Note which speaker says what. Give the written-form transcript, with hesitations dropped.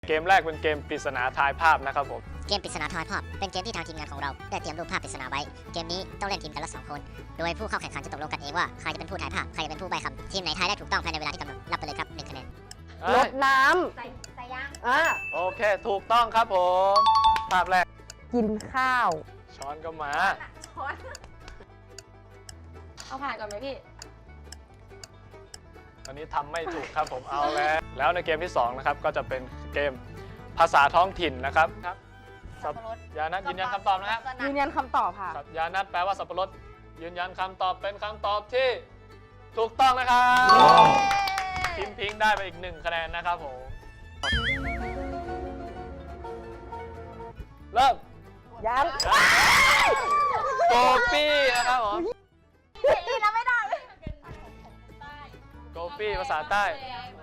Speaker 1: เกมแรกเป็นเกมปริศนาทายภาพนะครับผม
Speaker 2: เกมปริศนาทายภาพเป็นเกมที่ทางทีมงานของเราได้เตรียมรูปภาพปริศนาไว้ เกมนี้ต้องเล่นทีมกันละ2คน โดยผู้เข้าแข่งขันจะตกลงกันเองว่าใครจะเป็นผู้ทายภาพ ใครจะเป็นผู้ใบ้คำ ทีมไหนทายได้ถูกต้องภายในเวลาที่กำหนดรับไปเลยครับ1คะแนน
Speaker 3: รดน้
Speaker 4: ใส่ยาง
Speaker 3: ำ
Speaker 1: โอเค ถูกต้องครับผม ภาพแรก
Speaker 3: กินข้าว
Speaker 1: ช้อนก็มา
Speaker 4: ช้อน
Speaker 5: เอาผ่านก่อนไหมพี่
Speaker 1: ตอนนี้ทำไม่ถูกครับผมเอาแล้วในเกมที่2นะครับก็จะเป็นเกมภาษาท้องถิ่นนะครับครับ
Speaker 4: สับปะรด
Speaker 1: ยานัทยืนยันคำตอบนะครับ
Speaker 3: ยืนยันคำตอบค่ะ
Speaker 1: ครับยานัทแปลว่าสับปะรดยืนยันคำตอบเป็นคำตอบที่ถูกต้องนะครับทีมพิงค์ได้ไปอีก1คะแนนนะครับผมเริ่ม
Speaker 3: ยัง
Speaker 1: โกปี้นะครับผม
Speaker 4: นี่เราไม่ได้
Speaker 1: โกปี้ภาษาใต้